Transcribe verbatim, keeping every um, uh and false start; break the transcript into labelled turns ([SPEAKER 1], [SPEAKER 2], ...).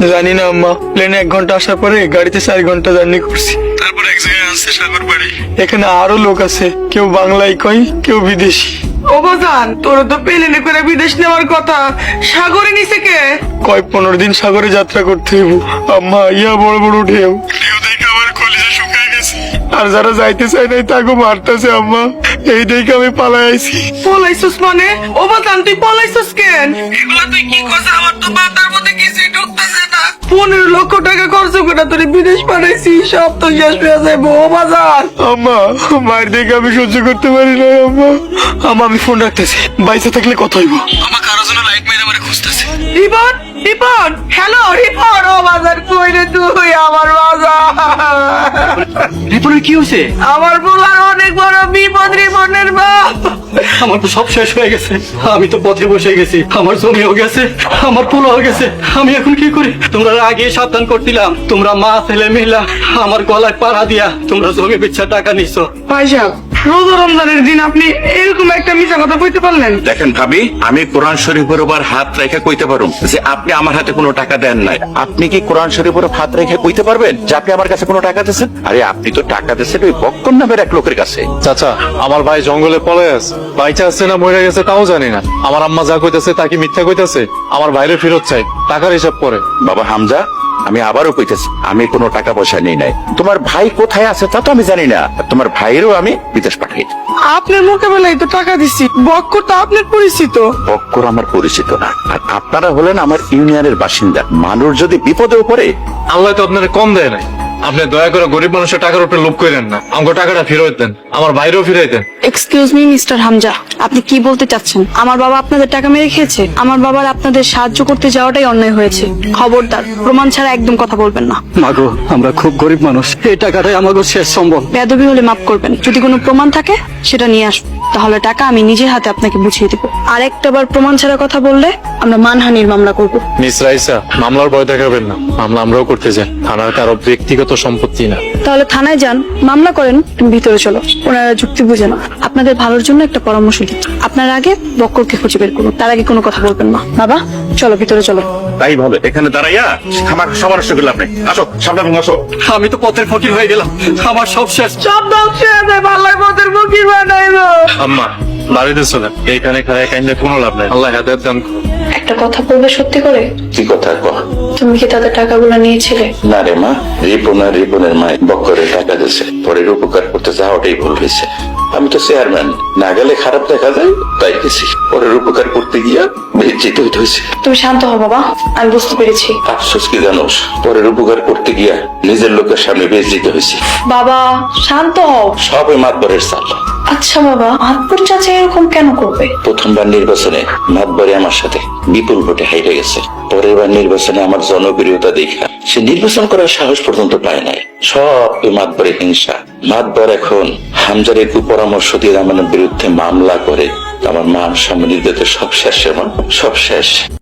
[SPEAKER 1] জানি না আম্মা, প্লেনে এক ঘন্টা আসার পরে গাড়িতে চার ঘন্টা জার্নি করছি, তারপর এক জায়গায় আসছে সাগর বাড়ি। এখানে আরো লোক আছে, কেউ বাংলায় কয়, কেউ বিদেশি।
[SPEAKER 2] ও বাজান, তোর তো প্লেনে করে বিদেশ নেওয়ার কথা, সাগরে নিছে কে?
[SPEAKER 1] কয় পনেরো দিন সাগরে যাত্রা করতে হইব আম্মা। ইয়া বড় বড় ঢেউ, ঢেউ দেখে আমার কলিজা শুকায় গেছে। আর যারা যাইতে চায় নাই তাকে মারতেছে আম্মা। এই দেখে আমি পালাই আইছি।
[SPEAKER 2] পলাইছস মানে? ও বাজান, তুই পলাইছস কেন? এগুলা তুই কি করছিস? আমার তো মাথার মধ্যে কিছুই ঢুকতেছে না। পনেরো লক্ষ টাকা খরচ করে তোর বিদেশ পাঠাইছি, সব তো শেষ হয়ে যাবো। ও বাজান,
[SPEAKER 1] আম্মা, মায়ের দেখে আমি সহ্য করতে পারি না আম্মা। আম্মা আমি ফোন রাখতেছি, বাইসে থাকলে কথা হইব। আমার কারো জন্য লাইট মেরে আমার খুঁজতেছে।
[SPEAKER 2] রিপন, রিপন, হ্যালো রিপন। ও বাজার, কই রে তুই? আমার বাজার,
[SPEAKER 3] রিপনের কি হয়েছে?
[SPEAKER 2] আমার বলার অনেক বড় বিপদ। রিপনের বাপ,
[SPEAKER 3] আমার তো সব শেষ হয়ে গেছে। আমি তো পথে বসে গেছি, আমার জমিও গেছে, আমার পোলাও গেছে। আমি এখন কি করি? তোমরা আগে সাবধান করছিলাম, তোমরা মা ছেলে মিলা আমার গলায় পাড়া দিয়া তোমরা জমি বিচ্ছা টাকা নিছো।
[SPEAKER 2] ভাই সাহেব, রোজা রমজানের দিন আপনি এরকম একটা মিথ্যা কথা কইতে পারলেন?
[SPEAKER 4] দেখেন ভাবি, আমি কোরআন শরীফের উপর হাত রেখে কইতে পারুম যে আপনি আমার হাতে কোনো টাকা দেন নাই। আপনি কি কোরআন শরীফের উপর হাত রেখে কইতে পারবেন যে আপনি আমার কাছে কোনো টাকা দিয়েছেন? আরে আপনি তো টাকা দিয়েছেন ওই বক্কর নামের এক লোকের কাছে।
[SPEAKER 5] চাচা, আমার ভাই জঙ্গলে পড়ে আছে, বাইচা আছে না মরে গেছে তাও জানি না। আমার আম্মা যা কইতাছে তা কি মিথ্যা কইতাছে? আমার ভাইরে ফেরত চাই, টাকার হিসাব করে।
[SPEAKER 4] বাবা হামজা, আমি আবারও কইতেছি, আমি কোনো টাকা পয়সা নেই নাই। তোমার ভাই কোথায় আছে তা তো আমি জানি না। তোমার ভাইয়েরও আমি বিদেশ পাঠাই।
[SPEAKER 2] আপনার মোকাবেলায় তো টাকা দিচ্ছি, বক্কর তো আপনার পরিচিত।
[SPEAKER 4] বক্কর আমার পরিচিত না, আর আপনারা হলেন আমার ইউনিয়নের বাসিন্দা। মানুষ যদি বিপদেও পড়ে,
[SPEAKER 5] আল্লাহ তো আপনার কম দেয় নাই। আপনি দয়া করে গরিব মানুষের টাকার উপরে লোভ করেন না। আমাকে টাকাটা ফেরত দেন, আমার ভাইরেও ফিরাই দেন।
[SPEAKER 6] এক্সকিউজ মি মিস্টার হামজা, আপনি কি বলতে চাচ্ছেন? আমার বাবা আপনাদের টাকা মেরে খেয়েছে? আমার বাবার আপনাদের সাহায্য করতে যাওয়াটাই অন্যায় হয়েছে। খবরদার, প্রমাণ ছাড়া একদম কথা বলবেন না।
[SPEAKER 3] মাগো, আমরা খুব গরিব মানুষ, এই টাকাটাই আমাকে শেষ সম্বল।
[SPEAKER 6] বেয়াদবি হলে মাফ করবেন, যদি কোনো প্রমাণ থাকে সেটা নিয়ে আসুন, তাহলে টাকা আমি নিজের হাতে আপনাকে বুঝিয়ে দেবো। আর একটা বার প্রমাণ ছাড়া কথা বললে আমরা মানহানির মামলা করব।
[SPEAKER 5] মিস রাইসা, মামলার ভয় দেখাবেন না। মামলা আমরাও করতে যাই, থানার কারো ব্যক্তিগত সম্পত্তি না।
[SPEAKER 6] তাহলে থানায় যান, মামলা করেন, তুমি ভিতরে চলো। ওনারা যুক্তি বুঝে না। আপনাদের ভালোর জন্য একটা পরামর্শ দিচ্ছি, আপনার আগে বক্করকে খুঁজে বের করুন, তার আগে কোনো কথা বলবেন না। বাবা চলো, ভিতরে চলো।
[SPEAKER 4] তাই ভালো এখানে দাঁড়াইয়া আমার সমাবেশ করলাম না। আসো সামনে আসো।
[SPEAKER 3] আমি তো পথের ফকির হয়ে গেলাম, আমার সব শেষ।
[SPEAKER 2] সব ধ্বংস হয়ে যায়, ভাল্লাই পথের মুখী বানাইলো।
[SPEAKER 5] আম্মা, বাড়িতে চলেন, এইখানে খায় কাইন্ডে কোনো লাভ নাই। আল্লাহ হেদায়েত দান করুন।
[SPEAKER 6] একটা কথা বলবে সত্যি করে?
[SPEAKER 4] কি কথা কহ?
[SPEAKER 6] তুমি কি তাদের টাকাগুলো নিয়েছিলে?
[SPEAKER 4] না রে মা, রিপন আর রিপনের মায় বক্করের টাকা দিয়েছে, পরের উপকার করতে যাওয়াটাই ভুল হয়েছে। আমি তো চেয়ারম্যান, না গেলে খারাপ দেখা যায়, তাই গেছি। পরের উপকার করতে গিয়া বেজ্জিত হইতে হয়েছে।
[SPEAKER 6] তুমি শান্ত হও বাবা, আমি বুঝতে পেরেছি।
[SPEAKER 4] আফসোস কি জানোস, পরের উপকার করতে গিয়া নিজের লোকের সামনে বেজ্জিত হয়েছি।
[SPEAKER 6] বাবা শান্ত হও।
[SPEAKER 4] সব ওই মাতবরের চাল।
[SPEAKER 6] আচ্ছা বাবা, আতপুর চাচা এরকম কেন করবে?
[SPEAKER 4] প্রথমবার নির্বাচনে মাতবরে আমার সাথে বিপুল ভোটে হাইরে গেছে। পরের বার নির্বাচনে আমার জনপ্রিয়তা দেখা সে নির্বাচন করার সাহস পর্যন্ত পায় নাই। সব ওই মাতবরে হিংসা। মাতবর এখন হামজার একটু পরামর্শ দিয়ে আমার বিরুদ্ধে মামলা করে। আমার মান সম্মান সব শেষ, সব শেষ।